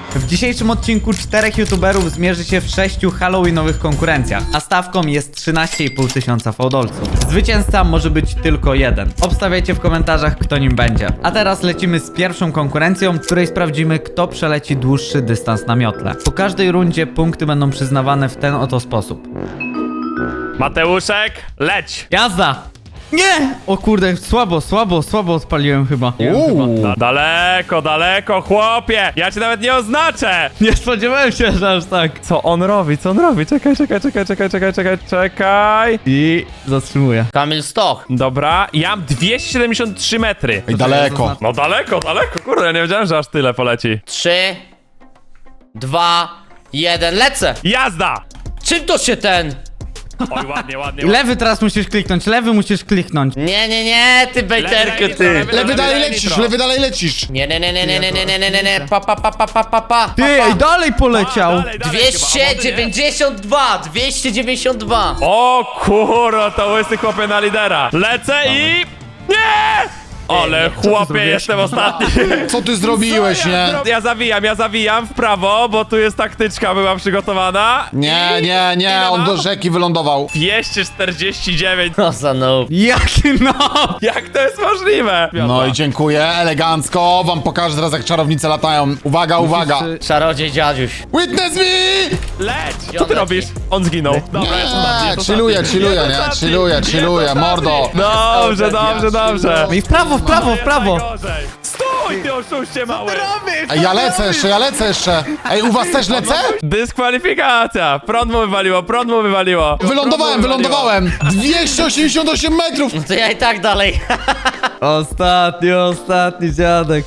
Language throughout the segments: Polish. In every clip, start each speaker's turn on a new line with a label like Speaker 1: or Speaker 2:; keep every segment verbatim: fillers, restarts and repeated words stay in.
Speaker 1: W dzisiejszym odcinku czterech youtuberów zmierzy się w sześciu halloweenowych konkurencjach, a stawką jest trzynaście i pół tysiąca fałdolców. Zwycięzca może być tylko jeden. Obstawiajcie w komentarzach, kto nim będzie. A teraz lecimy z pierwszą konkurencją, w której sprawdzimy, kto przeleci dłuższy dystans na miotle. Po każdej rundzie punkty będą przyznawane w ten oto sposób.
Speaker 2: Mateuszek, leć!
Speaker 1: Jazda! Nie! O kurde, słabo, słabo, słabo odpaliłem chyba.
Speaker 3: Uuu.
Speaker 2: Da daleko, daleko, chłopie! Ja cię nawet nie oznaczę!
Speaker 1: Nie spodziewałem się, że aż tak.
Speaker 2: Co on robi? Co on robi? Czekaj, czekaj, czekaj, czekaj, czekaj, czekaj, czekaj.
Speaker 1: I zatrzymuję.
Speaker 3: Kamil Stoch.
Speaker 2: Dobra, ja mam dwieście siedemdziesiąt trzy metry.
Speaker 3: I daleko.
Speaker 2: No daleko, daleko, kurde, ja nie wiedziałem, że aż tyle poleci.
Speaker 3: Trzy, dwa, jeden, lecę!
Speaker 2: Jazda!
Speaker 3: Czym to się ten?
Speaker 2: Oj, ładnie, ładnie.
Speaker 1: I lewy teraz musisz kliknąć, lewy musisz kliknąć.
Speaker 3: Nie, nie, nie, ty bejterku,
Speaker 2: Lewy,
Speaker 3: ty.
Speaker 2: lewy,
Speaker 4: Lewy dalej
Speaker 2: lewy,
Speaker 4: lecisz,
Speaker 2: nitro.
Speaker 4: lewy dalej lecisz.
Speaker 3: Nie, nie, nie, nie, nie, nie, nie, nie, nie, nie, nie, pa, pa, pa, pa, pa, pa, pa.
Speaker 1: Ty, ej, dalej poleciał.
Speaker 2: A, dalej, dalej
Speaker 3: dwieście
Speaker 2: chyba, a
Speaker 3: dziewięćdziesiąt dwa, dwieście dziewięćdziesiąt dwa.
Speaker 2: o kurwa, to łysy chłopie na lidera. Lecę i... Nie! Ale chłopie,
Speaker 1: zrobiłeś?
Speaker 2: jestem ostatni.
Speaker 4: Co ty zrobiłeś,
Speaker 2: ja,
Speaker 4: nie?
Speaker 2: zro- ja zawijam, ja zawijam w prawo, bo tu jest taktyczka, była przygotowana.
Speaker 4: Nie,
Speaker 2: I-
Speaker 4: nie, nie,
Speaker 2: ile
Speaker 4: on
Speaker 2: mam?
Speaker 4: do rzeki wylądował.
Speaker 2: dwieście czterdzieści dziewięć.
Speaker 3: No za no.
Speaker 1: Jaki no!
Speaker 2: Jak to jest możliwe?
Speaker 4: No i dziękuję, elegancko. Wam pokażę teraz, jak czarownice latają. Uwaga, uwaga.
Speaker 1: Musisz,
Speaker 3: Czarodziej dziadziuś.
Speaker 4: Witness me!
Speaker 2: Leć!
Speaker 3: Gdzie
Speaker 2: Co
Speaker 3: on
Speaker 2: ty
Speaker 3: leci?
Speaker 2: robisz? On zginął. Dobra, jest ostatni,
Speaker 4: Nie,
Speaker 2: jest
Speaker 4: chilluję,
Speaker 2: ostatni.
Speaker 4: chilluję,
Speaker 2: Jest
Speaker 4: nie?
Speaker 2: ostatni.
Speaker 4: Chilluję,
Speaker 2: Jest
Speaker 4: chilluję,
Speaker 2: ostatni.
Speaker 4: mordo.
Speaker 2: Dobrze, dobrze, dobrze.
Speaker 1: No i w prawo, w prawo, w prawo.
Speaker 2: Najgorzej. Stój, ty oszuście mały!
Speaker 4: Ej, ja lecę jeszcze, ja lecę jeszcze. Ej, u was też lecę?
Speaker 2: Dyskwalifikacja! Prąd mu wywaliło, prąd mu wywaliło.
Speaker 4: Wylądowałem,
Speaker 2: Prąd mu wywaliło.
Speaker 4: wylądowałem. dwieście osiemdziesiąt osiem metrów.
Speaker 3: No to ja i tak dalej.
Speaker 1: Ostatni, ostatni dziadek.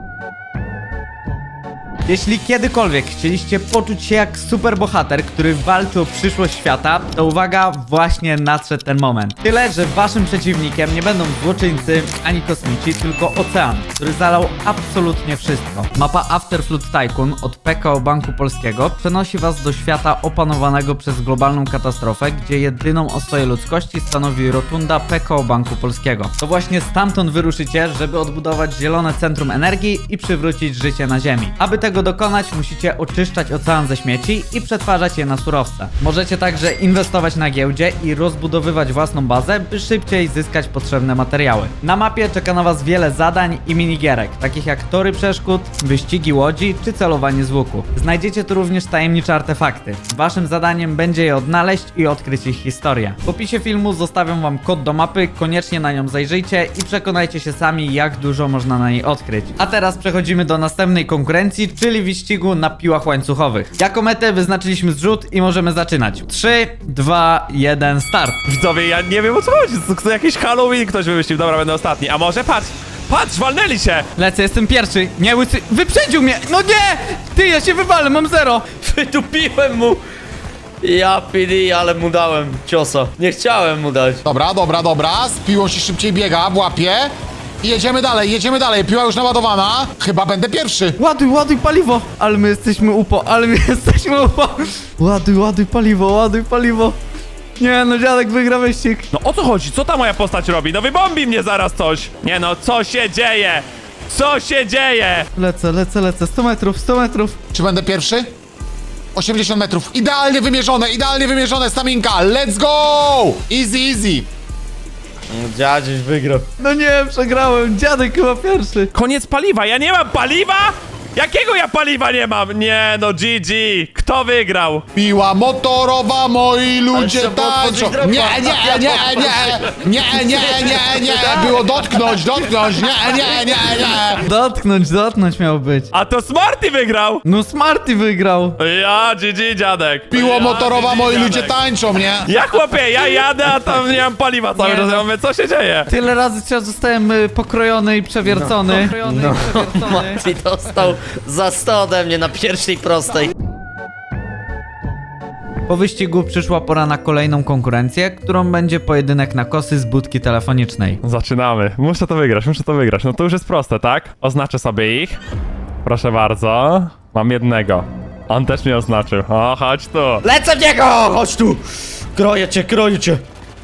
Speaker 1: Jeśli kiedykolwiek chcieliście poczuć się jak superbohater, który walczy o przyszłość świata, to uwaga, właśnie nadszedł ten moment. Tyle, że waszym przeciwnikiem nie będą złoczyńcy ani kosmici, tylko ocean, który zalał absolutnie wszystko. Mapa Afterflood Tycoon od P K O Banku Polskiego przenosi was do świata opanowanego przez globalną katastrofę, gdzie jedyną ostoję ludzkości stanowi rotunda P K O Banku Polskiego. To właśnie stamtąd wyruszycie, żeby odbudować zielone centrum energii i przywrócić życie na Ziemi. Aby tego dokonać, musicie oczyszczać ocean ze śmieci i przetwarzać je na surowce. Możecie także inwestować na giełdzie i rozbudowywać własną bazę, by szybciej zyskać potrzebne materiały. Na mapie czeka na was wiele zadań i minigierek, takich jak tory przeszkód, wyścigi łodzi czy celowanie z łuku. Znajdziecie tu również tajemnicze artefakty. Waszym zadaniem będzie je odnaleźć i odkryć ich historię. W opisie filmu zostawiam wam kod do mapy, koniecznie na nią zajrzyjcie i przekonajcie się sami, jak dużo można na niej odkryć. A teraz przechodzimy do następnej konkurencji, czyli wyścigu na piłach łańcuchowych. Jako metę wyznaczyliśmy zrzut i możemy zaczynać. trzy, dwa, jeden, start.
Speaker 2: Widzowie, ja nie wiem o co chodzi. To, to jakiś Halloween ktoś wymyślił. Dobra, będę ostatni. A może patrz, patrz, walnęli się.
Speaker 1: Lecę, jestem pierwszy. Nie, łysy... Wyprzedził mnie! No nie! Ty, ja się wywalę, mam zero.
Speaker 3: Wydupiłem mu. Ja P D, ale mu dałem ciosa. Nie chciałem mu dać.
Speaker 4: Dobra, dobra, dobra. Z piłą się szybciej biega, w łapie. I jedziemy dalej, jedziemy dalej. Piła już naładowana. Chyba będę pierwszy.
Speaker 1: Ładuj, ładuj paliwo! Ale my jesteśmy upo, ale my jesteśmy upo! Ładuj, ładuj paliwo, ładuj paliwo! Nie no, dziadek wygra wyścig!
Speaker 2: No o co chodzi? Co ta moja postać robi? No wybombi mnie zaraz coś. Nie no, co się dzieje? Co się dzieje?
Speaker 1: Lecę, lecę, lecę, sto metrów, sto metrów!
Speaker 4: Czy będę pierwszy? osiemdziesiąt metrów. Idealnie wymierzone, idealnie wymierzone. Staminka. Let's go! Easy, easy.
Speaker 3: Dziadziuś wygrał.
Speaker 1: No nie, przegrałem, dziadek chyba pierwszy!
Speaker 2: Koniec paliwa, ja nie mam paliwa? Jakiego ja paliwa nie mam? Nie no, G G. Kto wygrał?
Speaker 4: Piła motorowa, moi ludzie
Speaker 3: trzeba było
Speaker 4: tańczą.
Speaker 3: otworzyć
Speaker 4: Nie,
Speaker 3: dropa.
Speaker 4: nie, nie, nie, nie, nie, nie, nie. Było dotknąć, dotknąć. Nie, nie, nie, nie.
Speaker 1: Dotknąć, dotknąć miał być.
Speaker 2: A to Smarty wygrał!
Speaker 1: No Smarty wygrał!
Speaker 2: Ja, G G dziadek.
Speaker 4: Piło
Speaker 2: Ja,
Speaker 4: motorowa,
Speaker 2: G G,
Speaker 4: moi ludzie
Speaker 2: dziadek.
Speaker 4: tańczą, nie?
Speaker 2: Ja chłopie, ja jadę, a tam nie mam paliwa cały
Speaker 1: Nie
Speaker 2: czas.
Speaker 1: no.
Speaker 2: Ja mówię, co się dzieje?
Speaker 1: Tyle razy teraz zostałem y, pokrojony i przewiercony. Pokrojony
Speaker 3: No,
Speaker 1: i przewiercony.
Speaker 3: Mati dostał za sto ode mnie na pierwszej prostej.
Speaker 1: Po wyścigu przyszła pora na kolejną konkurencję, którą będzie pojedynek na kosy z budki telefonicznej.
Speaker 2: Zaczynamy. Muszę to wygrać, muszę to wygrać. No to już jest proste, tak? Oznaczę sobie ich. Proszę bardzo. Mam jednego. On też mnie oznaczył. O, chodź tu.
Speaker 3: Lecę w niego! Chodź tu! Kroję cię, kroję cię.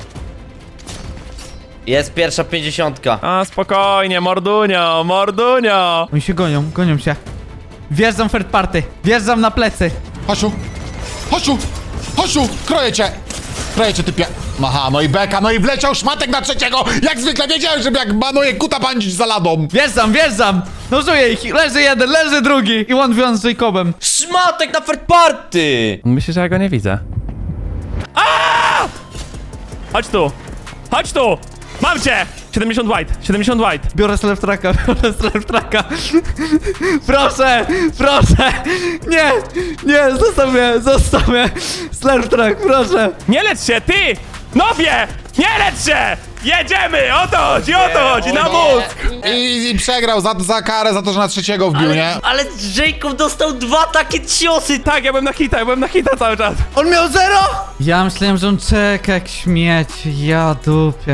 Speaker 3: Jest pierwsza pięćdziesiątka.
Speaker 2: A, spokojnie, mordunio, mordunio.
Speaker 1: Oni się gonią, gonią się. Wjeżdżam third party. Wjeżdżam na plecy.
Speaker 4: Chodź Chodź Chodź kroję cię. Kroję cię, typie. Aha, no i beka, no i wleciał szmatek na trzeciego. Jak zwykle wiedziałem, żeby jak manuje kuta pędzić za ladą.
Speaker 1: Wjeżdżam, wjeżdżam. Nożuję ich. Leży jeden, leży drugi. I one v one z Jacobem.
Speaker 3: Szmatek na third party!
Speaker 2: Myślę, że ja go nie widzę. Aaaa! Chodź tu! Chodź tu! Mam cię! siedemdziesiąt white, siedemdziesiąt white.
Speaker 1: Biorę self tracka, biorę self tracka. Proszę, proszę. Nie, nie, zostaw mnie, zostaw mnie. Self track, proszę.
Speaker 2: Nie lecz się, ty! Nobie! Nie lecz się! Jedziemy! O to chodzi, o to chodzi, na mózg!
Speaker 4: I, i przegrał za, za karę, za to, że na trzeciego wbił, nie?
Speaker 3: Ale, ale Jacob dostał dwa takie ciosy!
Speaker 2: Tak, ja byłem na hita, ja byłem na hita cały czas.
Speaker 1: On miał zero? Ja myślałem, że on czeka jak śmieć. Ja dupie.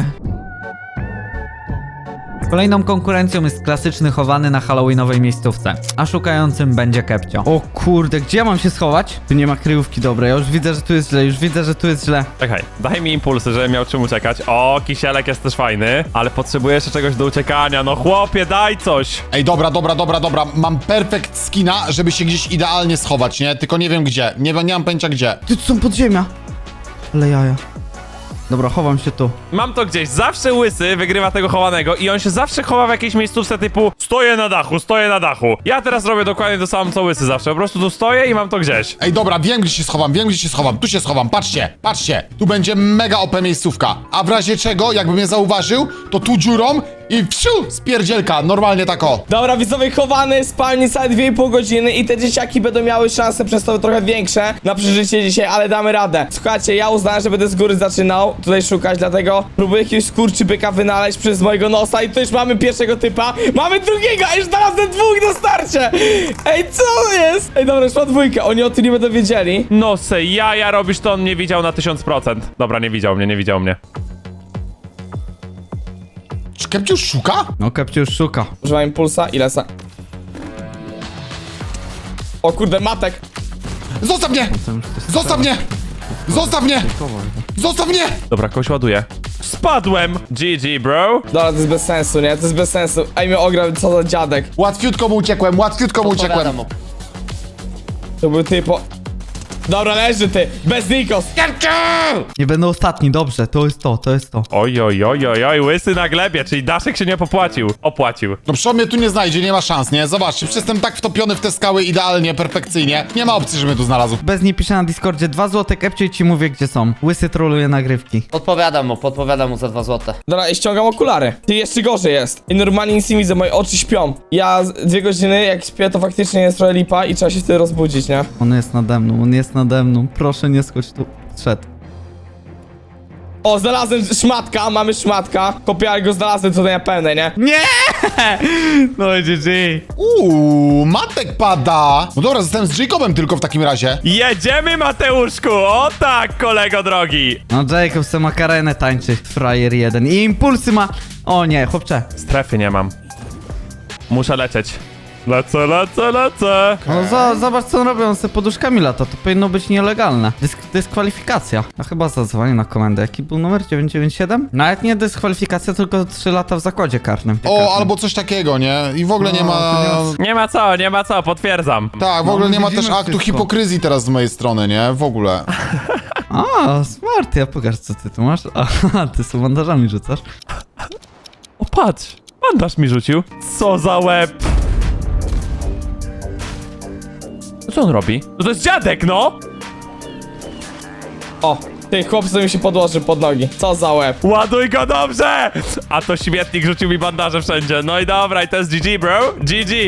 Speaker 1: Kolejną konkurencją jest klasyczny chowany na halloweenowej miejscówce, a szukającym będzie Kepcio. O kurde, gdzie ja mam się schować? Tu nie ma kryjówki dobrej, ja już widzę, że tu jest źle, już widzę, że tu jest źle.
Speaker 2: Czekaj, daj mi impulsy, żebym miał czym uciekać. O, kisielek jest też fajny, ale potrzebuję jeszcze czegoś do uciekania. No chłopie, daj coś!
Speaker 4: Ej, dobra, dobra, dobra, dobra. Mam perfekt skina, żeby się gdzieś idealnie schować, nie? Tylko nie wiem gdzie. Nie, nie mam pojęcia gdzie.
Speaker 1: Ty, tu są podziemia. Ale jaja. Dobra, chowam się tu.
Speaker 2: Mam to gdzieś, zawsze łysy wygrywa tego chowanego i on się zawsze chowa w jakiejś miejscówce typu stoję na dachu, stoję na dachu. Ja teraz robię dokładnie to samo co łysy zawsze, po prostu tu stoję i mam to gdzieś.
Speaker 4: Ej, dobra, wiem gdzie się schowam, wiem gdzie się schowam. Tu się schowam, patrzcie, patrzcie. Tu będzie mega O P miejscówka. A w razie czego, jakby mnie zauważył, to tu dziurą i wsiu, spierdzielka, normalnie tak o.
Speaker 5: Dobra, widzowie, chowany, spalni całe dwie i pół godziny i te dzieciaki będą miały szanse przez to trochę większe na przeżycie dzisiaj, ale damy radę. Słuchajcie, ja uznałem, że będę z góry zaczynał tutaj szukać, dlatego próbuję jakiegoś skurczybyka wynaleźć przez mojego nosa i tu już mamy pierwszego typa, mamy drugiego, a już znalazłem dwóch na starcie! Ej, co jest? Ej, dobra, już mam dwójkę, oni o tym nie będą wiedzieli.
Speaker 2: No se jaja robisz, to on mnie widział na tysiąc procent. Dobra, nie widział mnie, nie widział mnie.
Speaker 4: Czy Kepcio już szuka?
Speaker 1: No, Kepcio już szuka.
Speaker 5: Używam impulsa i lesa. O kurde, matek!
Speaker 4: Zostaw mnie! Zostaw mnie! Zostaw mnie! Zostaw mnie!
Speaker 2: Dobra, kogoś ładuję. Spadłem! G G, bro.
Speaker 5: Dobra, to jest bez sensu, nie? To jest bez sensu. Ej, mnie ograł, co za dziadek.
Speaker 4: Łatwiutko mu uciekłem, łatwiutko mu uciekłem.
Speaker 3: Odpowiadam mu.
Speaker 5: To był typo... Dobra, leży ty, bez Nikos.
Speaker 1: Nie będę ostatni, dobrze, to jest to, to jest to.
Speaker 2: Oj, oj, oj, oj, oj, łysy na glebie, czyli Daszek się nie popłacił. Opłacił.
Speaker 4: No przecież on mnie tu nie znajdzie, nie ma szans, nie? Zobaczcie, przecież jestem tak wtopiony w te skały idealnie, perfekcyjnie. Nie ma opcji, że mnie tu znalazł.
Speaker 1: Bez niej piszę na Discordzie dwa złote Kepcio i ci mówię gdzie są. Łysy troluje nagrywki.
Speaker 3: Podpowiadam mu, podpowiadam mu za dwa złote.
Speaker 5: Dobra, i ściągam okulary. Ty, jeszcze gorzej jest. I normalnie nic nie widzę, moje oczy śpią. Ja z- dwie godziny, jak śpię, to faktycznie jest trochę lipa i trzeba się wtedy rozbudzić, nie?
Speaker 1: On jest nade mną, on jest nade mną. Proszę nie skocz tu. Szedł.
Speaker 5: O, znalazłem szmatka, mamy szmatka. Kopiarę go znalazłem tutaj na pełnej, nie?
Speaker 1: Nie! No i G G.
Speaker 4: Uuu, matek pada. No dobra, zostałem z Jacobem tylko w takim razie.
Speaker 2: Jedziemy, Mateuszku! O tak, kolego drogi!
Speaker 1: No Jacob se makarenę tańczy. Frajer jeden. I impulsy ma... O nie, chłopcze.
Speaker 2: Strefy nie mam. Muszę lecieć. Lecę, lecę, lecę!
Speaker 1: No za, zobacz co on robi, on se poduszkami lata. To powinno być nielegalne. Dysk dyskwalifikacja. A chyba zadzwonię na komendę. Jaki był numer? dziewięć dziewięć siedem? Nawet nie dyskwalifikacja, tylko trzy lata w zakładzie karnym.
Speaker 4: O, albo coś takiego, nie? I w ogóle nie
Speaker 1: No,
Speaker 4: ma...
Speaker 1: to
Speaker 2: Nie ma co, nie ma co, potwierdzam.
Speaker 4: Tak, w
Speaker 1: No,
Speaker 4: ogóle nie ma
Speaker 1: widzimy
Speaker 4: też aktu
Speaker 1: wszystko.
Speaker 4: hipokryzji teraz z mojej strony, nie? W ogóle.
Speaker 1: A, smart, ja pokaż co ty tu masz. Aha, ty są bandażami rzucasz.
Speaker 2: O patrz, bandaż mi rzucił. Co za łeb! No co on robi? No to jest dziadek, no!
Speaker 5: O, ty chłop sobie mi się podłoży pod nogi. Co za łeb.
Speaker 2: Ładuj go dobrze! A to śmietnik rzucił mi bandaże wszędzie. No i dobra, i to jest G G, bro. G G.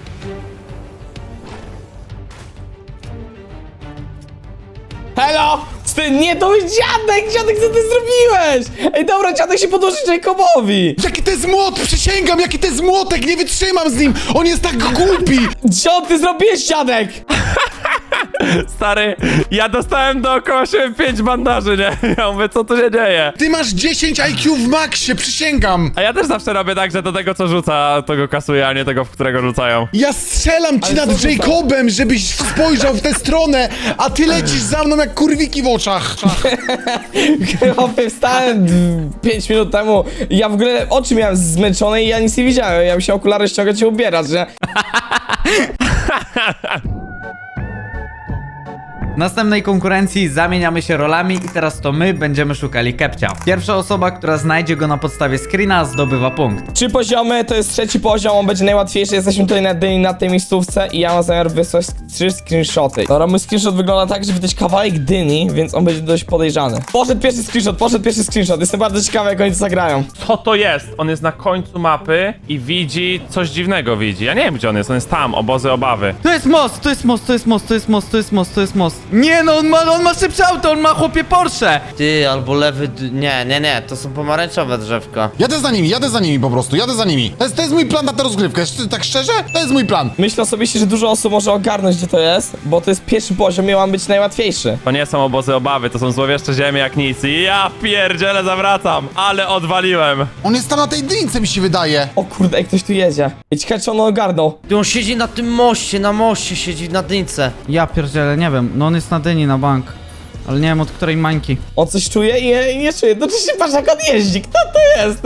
Speaker 5: Hello! Ty, nie, to jest dziadek! Dziadek, co ty zrobiłeś? Ej, dobra, dziadek się podłoży Jacobowi!
Speaker 4: Jaki to jest młot! Przysięgam, jaki to jest młotek! Nie wytrzymam z nim! On jest tak głupi!
Speaker 5: Co ty zrobiłeś, dziadek?
Speaker 2: Stary, ja dostałem dookoła siebie pięć bandaży, nie? Ja mówię, co tu się dzieje?
Speaker 4: Ty masz dziesięć I Q w maksie, przysięgam!
Speaker 2: A ja też zawsze robię tak, że do tego, co rzuca, to go kasuję, a nie tego, w którego rzucają.
Speaker 4: Ja strzelam ci
Speaker 5: Ale
Speaker 4: nad
Speaker 5: co rzuca?
Speaker 4: Jacobem, żebyś spojrzał w tę stronę, a ty lecisz za mną jak kurwiki w oczach.
Speaker 5: Chłopie, wstałem pięć minut temu i ja w ogóle oczy miałem zmęczone i ja nic nie widziałem. Ja musiałem okulary ściągać i ubierać, że...
Speaker 1: W następnej konkurencji zamieniamy się rolami i teraz to my będziemy szukali Kepcia. Pierwsza osoba, która znajdzie go na podstawie screena, zdobywa punkt.
Speaker 5: Trzy poziomy, to jest trzeci poziom, on będzie najłatwiejszy. Jesteśmy tutaj na dyni, na tej miejscówce i ja mam zamiar wysłać trzy screenshoty. Dobra, mój screenshot wygląda tak, że widać kawałek dyni, więc on będzie dość podejrzany. Poszedł pierwszy screenshot, poszedł pierwszy screenshot. Jestem bardzo ciekawy, jak oni to zagrają.
Speaker 2: Co to jest? On jest na końcu mapy i widzi coś dziwnego widzi. Ja nie wiem, gdzie on jest. On jest tam, obozy obawy.
Speaker 1: To jest most, to jest most, to jest most, to jest most, to jest most, to jest most. Nie no, on ma, on ma szybsze auto, on ma chłopie Porsche.
Speaker 3: Ty, albo lewy... d- Nie, nie, nie, to są pomarańczowe drzewka.
Speaker 4: Jadę za nimi, jadę za nimi po prostu, jadę za nimi. To jest, to jest mój plan na tę rozgrywkę, Szcz- tak szczerze? To jest mój plan.
Speaker 5: Myślę osobiście, że dużo osób może ogarnąć, gdzie to jest, bo to jest pierwszy poziom i ma być najłatwiejszy.
Speaker 2: To nie są obozy obawy, to są złowieszcze ziemie jak nic. Ja pierdzielę, zawracam, ale odwaliłem.
Speaker 4: On jest tam na tej dynce, mi się wydaje.
Speaker 5: O kurde, ej, ktoś tu jedzie. Ej, ciekawe, czy on ogarnął.
Speaker 3: Ty, on siedzi na tym moście, na moście siedzi, na dynce.
Speaker 1: Ja pierdzielę, nie wiem, no on jest na dyni na bank. Ale nie wiem od której mańki.
Speaker 5: On coś czuje i nie, nie czuje. No czy się patrz, jak on jeździ. Kto to jest?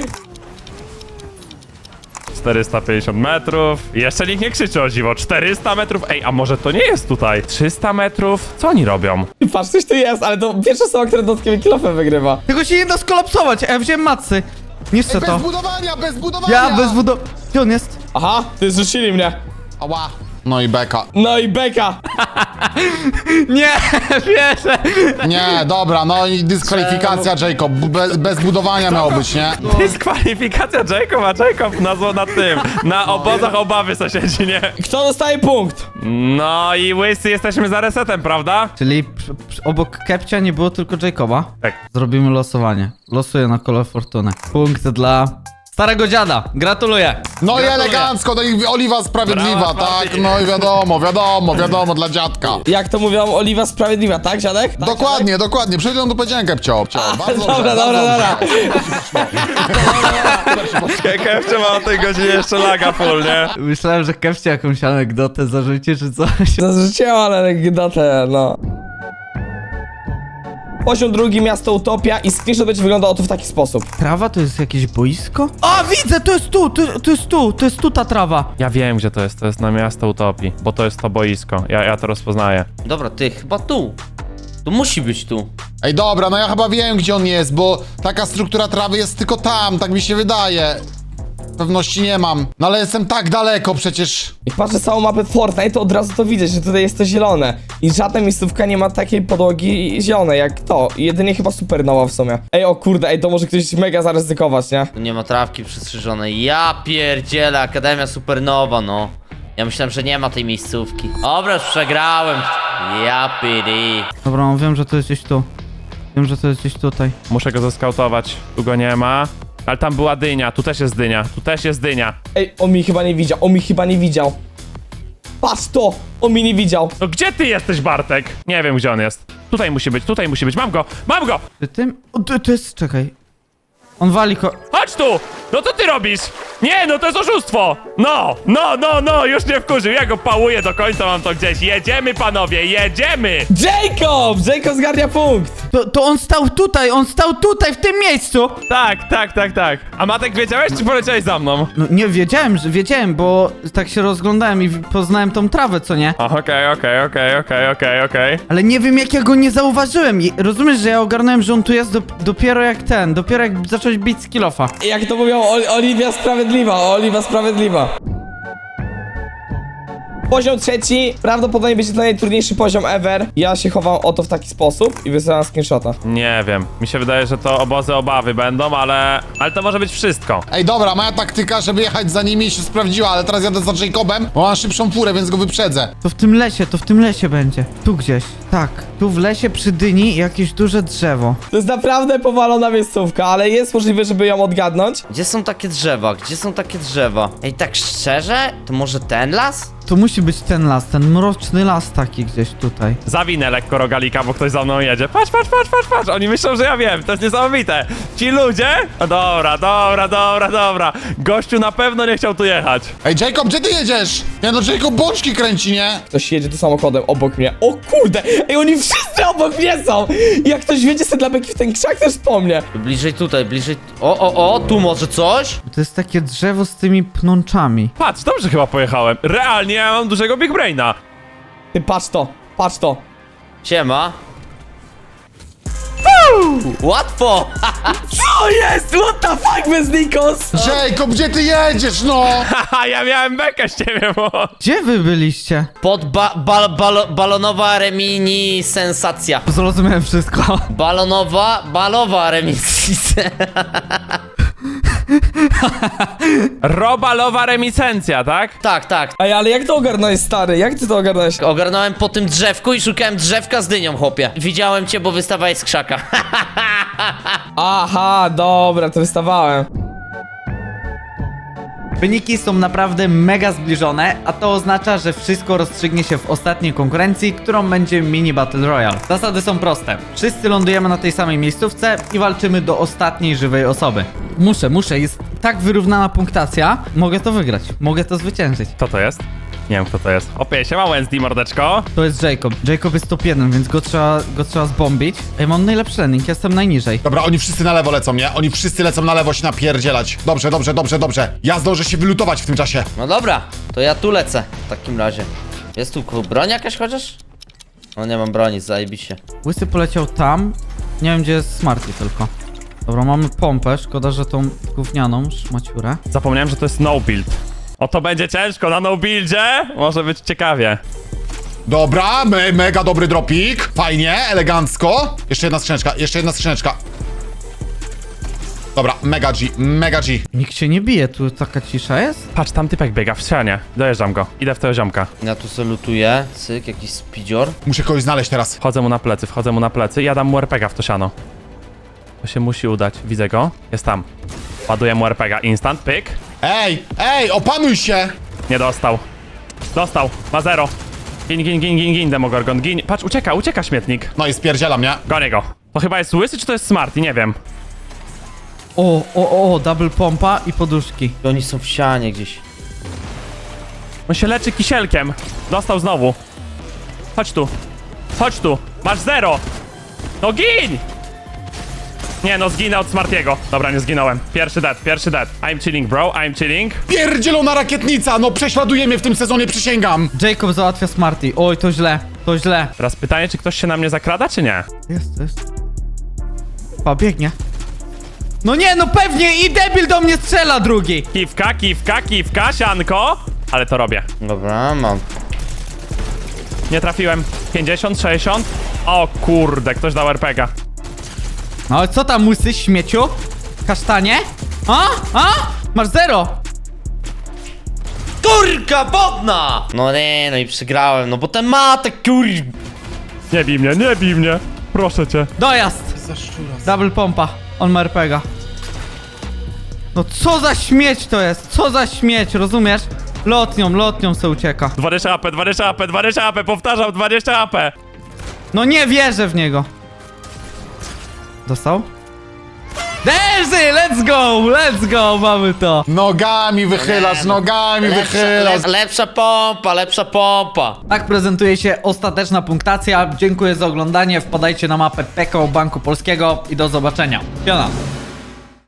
Speaker 2: czterysta pięćdziesiąt metrów. Jeszcze nikt nie krzyczy o dziwo. czterysta metrów. Ej, a może to nie jest tutaj? trzysta metrów? Co oni robią?
Speaker 5: Patrz, coś tu jest, ale to pierwsza osoba, która dodatkowy kilofem wygrywa.
Speaker 1: Tego się nie da skolapsować, a ja wziąłem macy. Niszczę
Speaker 4: Ej,
Speaker 1: to.
Speaker 4: bez budowania, bez budowania!
Speaker 1: Ja bez budo... Gdzie on jest?
Speaker 5: Aha, ty zrzucili mnie.
Speaker 4: Ała. No i beka.
Speaker 5: No i beka.
Speaker 1: Nie, wierzę.
Speaker 4: Nie, dobra, no i dyskwalifikacja, Jacob. Bez, bez budowania miało być, nie?
Speaker 2: Dyskwalifikacja Jacob, a Jacob na, zło- na tym, na obozach obawy sąsiedzi, nie?
Speaker 5: Kto dostaje punkt?
Speaker 2: No i łysy jesteśmy za resetem, prawda?
Speaker 1: Czyli przy, przy, obok Kepcia nie było tylko Jacoba.
Speaker 2: Tak.
Speaker 1: Zrobimy losowanie. Losuję na kolor fortuny. Punkt dla starego dziada. Gratuluję.
Speaker 4: No i
Speaker 2: Gratuluję.
Speaker 4: elegancko, no i oliwa sprawiedliwa,
Speaker 2: Brawa,
Speaker 4: tak?
Speaker 2: Martin.
Speaker 4: No i wiadomo, wiadomo, wiadomo, dla dziadka.
Speaker 5: Jak to mówią, oliwa sprawiedliwa, tak, dziadek? Tak,
Speaker 4: Dokładnie, dokładnie. Przed chwilą to powiedziałem, Kepcio. Bardzo
Speaker 5: Dobra,
Speaker 4: dobrze,
Speaker 5: dobra,
Speaker 4: bardzo
Speaker 5: dobra.
Speaker 2: Kefcie ma o tej godzinie jeszcze laga full, nie?
Speaker 1: Myślałem, że Kepcia jakąś anegdotę zarzuci czy coś.
Speaker 5: Zarzuciłem, ale anegdotę, no. Poziom drugi, miasto Utopia i screenshot będzie wyglądał oto w taki sposób.
Speaker 1: Trawa to jest jakieś boisko? A, widzę, to jest tu, to, to jest tu, to jest tu ta trawa.
Speaker 2: Ja wiem, gdzie to jest. To jest na miasto Utopii, bo to jest to boisko. Ja, ja to rozpoznaję.
Speaker 3: Dobra, ty, chyba tu. Tu musi być tu.
Speaker 4: Ej, dobra, no ja chyba wiem, gdzie on jest, bo taka struktura trawy jest tylko tam, tak mi się wydaje. Pewności nie mam. No ale jestem tak daleko przecież.
Speaker 5: Jak patrzę całą mapę Fortnite, to od razu to widzę, że tutaj jest to zielone. I żadna miejscówka nie ma takiej podłogi zielonej jak to. I jedynie chyba Supernowa w sumie. Ej, o kurde, ej, to może ktoś mega zaryzykować, nie?
Speaker 3: Tu nie ma trawki przystrzyżonej. Ja pierdzielę, Akademia Supernowa, no. Ja myślałem, że nie ma tej miejscówki. Dobra, już przegrałem. Ja pidi.
Speaker 1: Dobra, no, wiem, że to jest gdzieś tu. Wiem, że to jest gdzieś tutaj.
Speaker 2: Muszę go zeskautować. Tu go nie ma. Ale tam była dynia, tu też jest dynia, tu też jest dynia.
Speaker 5: Ej, on mi chyba nie widział, on mi chyba nie widział. Patrz to, on mi nie widział.
Speaker 2: No gdzie ty jesteś, Bartek? Nie wiem, gdzie on jest. Tutaj musi być, tutaj musi być. Mam go, mam go!
Speaker 1: Czy tym? O, to, to jest, czekaj. On wali ko...
Speaker 2: Chodź tu! No co ty robisz? Nie, no to jest oszustwo! No, no, no, no, już nie wkurzył. Ja go pałuję do końca, mam to gdzieś. Jedziemy, panowie, jedziemy!
Speaker 5: Jacob! Jacob zgarnia punkt!
Speaker 1: To, to on stał tutaj, on stał tutaj, w tym miejscu!
Speaker 2: Tak, tak, tak, tak. A Matek, wiedziałeś, czy poleciałeś za mną?
Speaker 1: No nie, wiedziałem, że wiedziałem, bo tak się rozglądałem i w- poznałem tą trawę, co nie?
Speaker 2: O, Okej, okej, okej, okej, okej, okej.
Speaker 1: Ale nie wiem, jak ja go nie zauważyłem. I rozumiesz, że ja ogarnąłem, że on tu jest dop- dopiero jak ten, dopiero jak zacząłeś bić z kilofa.
Speaker 5: Jak to mówią, Ol Oliwia Sprawiedliwa, Oliwa Sprawiedliwa. Poziom trzeci, prawdopodobnie będzie to najtrudniejszy poziom ever. Ja się chowam oto w taki sposób i wysyłam screenshota.
Speaker 2: Nie wiem. Mi się wydaje, że to obozy obawy będą, ale... Ale to może być wszystko.
Speaker 4: Ej, dobra, moja taktyka, żeby jechać za nimi się sprawdziła, ale teraz jadę za Jacobem, bo mam szybszą furę, więc go wyprzedzę.
Speaker 1: To w tym lesie, to w tym lesie będzie. Tu gdzieś. Tak. Tu w lesie przy dyni jakieś duże drzewo.
Speaker 5: To jest naprawdę powalona miejscówka, ale jest możliwe, żeby ją odgadnąć.
Speaker 3: Gdzie są takie drzewa? Gdzie są takie drzewa? Ej, tak szczerze? To może ten las?
Speaker 1: To musi być ten las, ten mroczny las taki gdzieś tutaj.
Speaker 2: Zawinę lekko rogalika, bo ktoś za mną jedzie. Patrz, patrz, patrz, patrz, patrz. Oni myślą, że ja wiem. To jest niesamowite. Ci ludzie? No dobra, dobra, dobra, dobra. Gościu na pewno nie chciał tu jechać.
Speaker 4: Ej, Jacob, gdzie ty jedziesz? Nie no, Jacob bączki kręci, nie?
Speaker 5: Ktoś jedzie tu samochodem obok mnie. O kurde! Ej, oni wszyscy obok mnie są! Jak ktoś wiedzie sobie dla beki w ten krzak, też po mnie.
Speaker 3: Bliżej tutaj, bliżej... O, o, o, tu może coś?
Speaker 1: To jest takie drzewo z tymi pnączami.
Speaker 2: Patrz, dobrze chyba pojechałem. Realnie ja mam dużego Big Braina.
Speaker 5: Ty patrz to, patrz to.
Speaker 3: Siema. Łatwo!
Speaker 5: Co jest? What the fuck, bez Nikos?
Speaker 4: Jacob, gdzie ty jedziesz, no?
Speaker 2: Haha, ja miałem bekę z ciebie, bo...
Speaker 1: Gdzie wy byliście?
Speaker 3: Pod ba bal balo balonowa remini sensacja.
Speaker 1: Zrozumiałem wszystko.
Speaker 3: Balonowa, balowa reminiscencja.
Speaker 2: Robalowa reminiscencja, tak?
Speaker 3: Tak, tak.
Speaker 5: Ej, ale jak to ogarnąłeś, stary? Jak ty to ogarnąłeś?
Speaker 3: Ogarnąłem po tym drzewku i szukałem drzewka z dynią, chłopie. Widziałem cię, bo wystawałeś z krzaka.
Speaker 5: Aha, dobra, to wystawałem.
Speaker 1: Wyniki są naprawdę mega zbliżone, a to oznacza, że wszystko rozstrzygnie się w ostatniej konkurencji, którą będzie Mini Battle Royale. Zasady są proste. Wszyscy lądujemy na tej samej miejscówce i walczymy do ostatniej żywej osoby. Muszę, muszę, jest tak wyrównana punktacja. Mogę to wygrać, mogę to zwyciężyć.
Speaker 2: Kto to jest? Nie wiem, kto to jest. Opie, siema Wednesday, mordeczko.
Speaker 1: To jest Jacob. Jacob jest top jeden, więc go trzeba, go trzeba zbombić. Ej, mam najlepszy landing, jestem najniżej.
Speaker 4: Dobra, oni wszyscy na lewo lecą, nie? Oni wszyscy lecą na lewo się napierdzielać. Dobrze, dobrze, dobrze, dobrze. Ja zdążę się wylutować w tym czasie.
Speaker 3: No dobra, to ja tu lecę w takim razie. Jest tu ku- broń jakaś chociaż? No nie mam broni, zajebiście.
Speaker 1: Łysy poleciał tam. Nie wiem, gdzie jest Smarty tylko. Dobra, mamy pompę, szkoda, że tą gównianą szmaciurę.
Speaker 2: Zapomniałem, że to jest no build. O, to będzie ciężko na no buildzie. Może być ciekawie.
Speaker 4: Dobra, me mega dobry dropik. Fajnie, elegancko. Jeszcze jedna skrzyneczka, jeszcze jedna skrzyneczka. Dobra, mega G, mega G.
Speaker 1: Nikt się nie bije, tu taka cisza jest?
Speaker 2: Patrz, tam typek biega w ścianie. Dojeżdżam go. Idę w tego ziomka.
Speaker 3: Ja tu salutuję. Cyk, jakiś spidzior.
Speaker 4: Muszę kogoś znaleźć teraz.
Speaker 2: Wchodzę mu na plecy, wchodzę mu na plecy i ja dam mu er pe ga w to siano. To się musi udać. Widzę go. Jest tam. Ładuję mu er pe ga. Instant, pyk.
Speaker 4: Ej, ej, opanuj się!
Speaker 2: Nie dostał. Dostał. Ma zero. Gin, gin, gin, gin, gin, Demogorgon, gin. Patrz, ucieka, ucieka śmietnik.
Speaker 4: No i spierdzielam, nie?
Speaker 2: Gonię go. To chyba jest łysy, czy to jest Smarty? Nie wiem.
Speaker 1: O, o, o, double pompa i poduszki.
Speaker 3: I oni są w sianie gdzieś.
Speaker 2: On się leczy kisielkiem. Dostał znowu. Chodź tu. Chodź tu. Masz zero. No gin! Nie, no zginę od Smartiego. Dobra, nie zginąłem. Pierwszy dead, pierwszy dead. I'm chilling, bro, I'm chilling.
Speaker 4: Pierdzielona rakietnica! No prześladuje mnie w tym sezonie, przysięgam!
Speaker 1: Jacob załatwia Smarty. Oj, to źle, to źle.
Speaker 2: Teraz pytanie, czy ktoś się na mnie zakrada, czy nie?
Speaker 1: Jest, jest. Pa, biegnie. No nie, no pewnie i debil do mnie strzela drugi.
Speaker 2: Kiwka, kiwka, kiwka, sianko. Ale to robię.
Speaker 3: Dobra, mam.
Speaker 2: Nie trafiłem. pięćdziesiąt, sześćdziesiąt. O kurde, ktoś dał er pe ga.
Speaker 1: No ale co tam, łysy, śmieciu? Kasztanie? A? A? Masz zero.
Speaker 3: Kurka bodna! No nie, no i przegrałem, no bo ten ma te kur...
Speaker 2: Nie bij mnie, nie bij mnie. Proszę cię.
Speaker 1: Dojazd. Double pompa. On ma er pe ga. No co za śmieć to jest? Co za śmieć, rozumiesz? Lotnią, lotnią se ucieka.
Speaker 2: dwadzieścia A P, dwadzieścia A P, dwadzieścia A P, powtarzam, dwadzieścia A P.
Speaker 1: No nie wierzę w niego. Dostał? Derzy, let's go, let's go, mamy to.
Speaker 4: Nogami wychylasz, nogami
Speaker 3: Lepsza,
Speaker 4: wychylasz.
Speaker 3: le, lepsza pompa, lepsza pompa.
Speaker 1: Tak prezentuje się ostateczna punktacja. Dziękuję za oglądanie. Wpadajcie na mapę P K O Banku Polskiego i do zobaczenia. Piona.